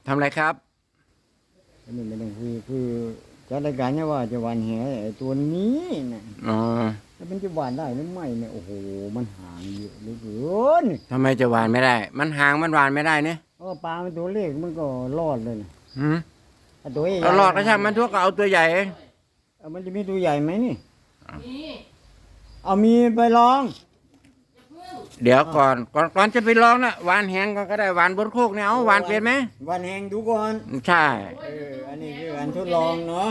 ทำอะไรครับอันนี้ไม่ต้องคือจัดรายการเนี่ยว่าจะหวานแหไอ้ตัวนี้นะอ๋อแล้วมันจะหวานได้หรือไม่เนี่ยโอ้โหมันห่างเยอะเหลือเกินทำไมจะหวานไม่ได้ มันห่างมันหวานไม่ได้เนี่ยปลามันตัวเล็กมันก็รอดเลยนะหืมตัวใหญ่เอาหลอดก็ช่างมันทั่วก็เอาตัวใหญ่มันจะมีตัวใหญ่ไหมนี่เอามีไปลองเดี๋ยวก่อนจะไปลองนะหวานแห้งก็ได้หวานบนโคกเนี่ยเอาหวานเป็นไหมหวานแห้งดูก่อนใช่อันนี้คือการทดลองเนาะ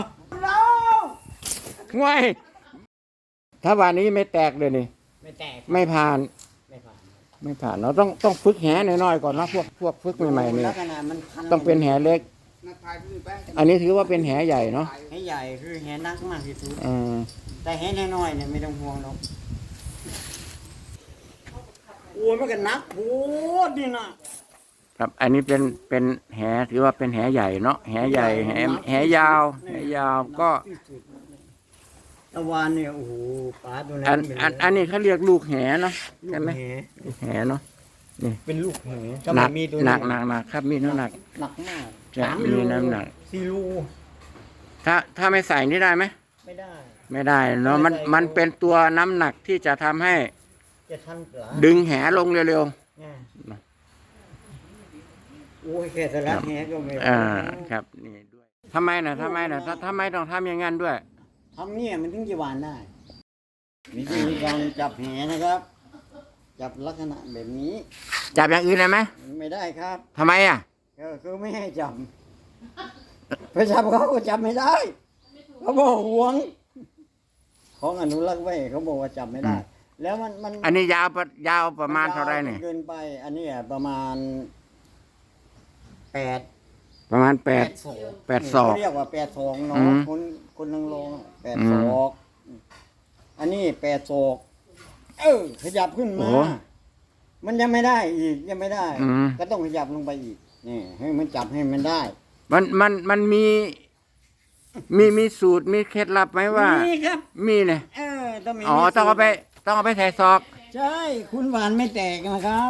ง่ายถ้าหวานนี้ไม่แตกเลยนี่ไม่แตกไม่ผ่านเราต้องฝึกแหน้อยๆก่อนนะพวกฝึกใหม่ๆเนี่ยต้องเป็นแหเล็กอันนี้ถือว่าเป็นแหใหญ่เนาะแหใหญ่คือแหนักมากที่สุดแต่แหน้อยๆเนี่ยไม่ต้องห่วงหรอกโอ้ยมันก็นักโหดนี่นะครับอันนี้เป็นแหถือว่าเป็นแหใหญ่เนาะแหใหญ่แหยาวก็ตะวันเนี่ยโอ้โหปลาตัวนั้นอันนี้เขาเรียกลูกแหเนาะใช่ไหมลูกแหเนาะนี่เป็นลูกแหหนักครับมีน้ำหนักมากจะมีน้ำหนัก 4 ลูถ้าไม่ใส่นี่ได้ไหมไม่ได้เนาะมันเป็นตัวน้ำหนักที่จะทำให้ดึงแหลงเร็วโอ้ยแค่สลัดแหก็ไม่ครับนี่ด้วยทำไมต้องทำอย่างนั้นด้วยทำเนี่ยมันถึงจะหวานได้วิธีการจับแหนะครับจับลักษณะแบบนี้จับอย่างอื่นได้ไหมไม่ได้ครับทำไมอ่ะคือไม่ให้จับไปจับเขาก็จับไม่ได้เขาบอกหวงของอนุรักษ์ไว้เขาบอกว่าจับไม่ได้แล้วมันอันนี้ยาวประมาณเท่าไรเนี่ยเกินไปอันนี้ประมาณ8 ศอกเรียกว่า8 ศอกเนาะคนนั่งลง8 ศอกอันนี้8 ศอกขยับขึ้นมามันยังไม่ได้อีกยังไม่ได้ก็ต้องขยับลงไปอีกนี่ให้มันจับให้มันได้มันมีสูตรมีเคล็ดลับไหมว่ามีครับมีเนี่ยต้องมีต้องเอาไปใส่ซอกใช่คุณหวานไม่แตกนะครับ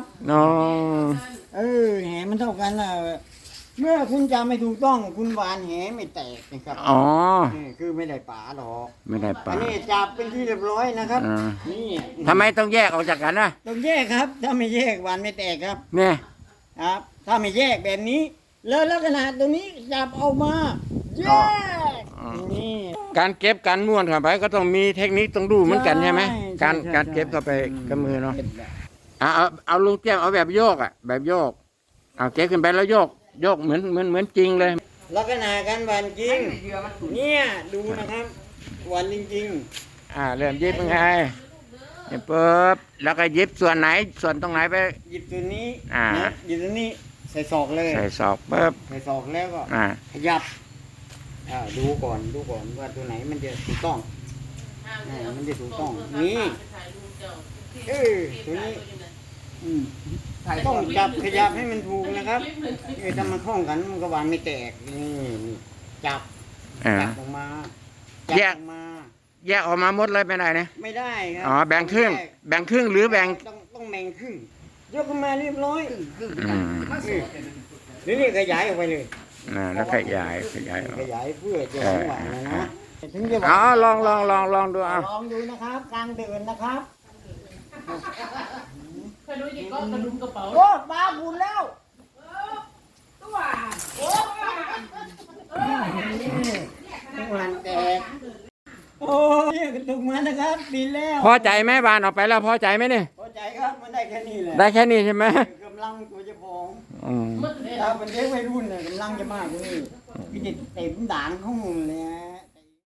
แหมันเท่ากันเมื่อคุณจำไม่ถูกต้องคุณหวานแหไม่แตกนะครับคือไม่ได้ป่าหรอกไม่ได้ป่าอันนี้จับเป็นที่เรียบร้อยนะครับนี่ทำไมต้องแยกออกจากกันนะต้องแยกครับถ้าไม่แยกหวานไม่แตกครับเนี่ยครับถ้าไม่แยกแบบนี้แล้วลักษณะตรงนี้จับเอามาแยกนี่การเก็บการม้วนเข้าไปก็ต้องมีเทคนิคต้องดูเหมือนกันใช่ไหมการเก็บเข้าไปกับมือเนาะเอาลุงเตี้ยมเอาแบบโยกแบบโยกเอาเก็บขึ้นไปแล้วโยกเหมือนจริงเลยลักษณะการหวานจริงเนี่ยดูนะครับหวานจริงเริ่มยิบยังไงปุ๊บแล้วก็ยิบส่วนไหนส่วนตรงไหนไปหยิบตัวนี้หยิบตัวนี้ใส่ศอกเลยใส่ศอกปุ๊บใส่ศอกแล้วก็ขยับดูก่อนว่าตัวไหนมันจะถูกต้องมันจะถูกต้องนี่ตัวนี้ต้องจับขยับให้มันถูกนะครับถ้ามันคล้องกันมันก็หวานไม่แตกนี่จับออกมาแยกออกมาหมดเลยไม่ได้นะไม่ได้ครับแบ่งครึ่งหรือแบ่งต้องแบ่งครึ่งยกขึ้นมาเรียบร้อยนี่ขยายออกไปเลยแล้วขยายเพื่อจะหวานนะถึงจะลองดูลองดูนะครับกลางเดือนนะครับกระดุมก็กระดุมกระเป๋าโอ้ปลาบุญแล้วตัวโอ้มันแตกโอ้ยกระตุกมานะครับบินแล้วพอใจไหมบานออกไปแล้วพอใจไหมเนี่ยพอใจครับมันได้แค่นี้แหละได้แค่นี้ใช่ไหมกำลังตัวจะพองถ้าเป็นเด็กวัยรุ่นเนี่ยกำลังจะมากกว่านี้พี่จะเต็มด่างข้างเลย